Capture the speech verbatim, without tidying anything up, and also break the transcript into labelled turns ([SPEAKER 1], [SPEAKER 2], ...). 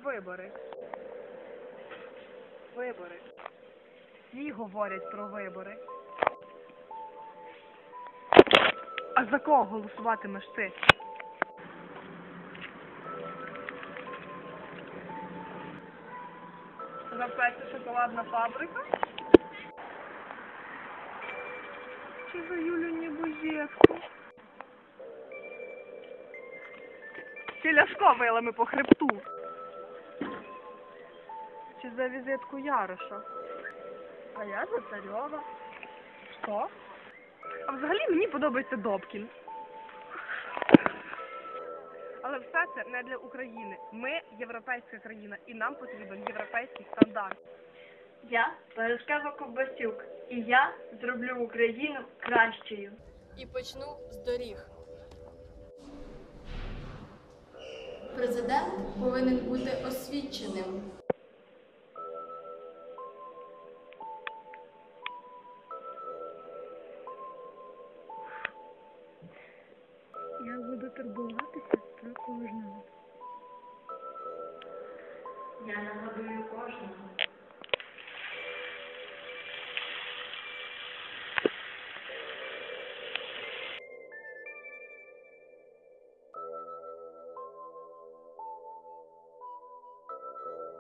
[SPEAKER 1] вибори. Вибори. Всі говорять про вибори. А за кого голосуватимеш ти? За Петя шоколадна фабрика? Чи за Юлю Небожевську? Чи Ляшко вилами по хребту? Чи за візитку Яроша? А я за Царьова. Що? А взагалі мені подобається Добкін. Але все це не для України. Ми європейська країна і нам потрібен європейський стандарт.
[SPEAKER 2] Я Параскева Ковбасюк, і я зроблю Україну кращою.
[SPEAKER 3] І почну з доріг.
[SPEAKER 4] Президент повинен бути освіченим.
[SPEAKER 5] Я буду турбуватися про кожного.
[SPEAKER 2] Я нагадую кожного.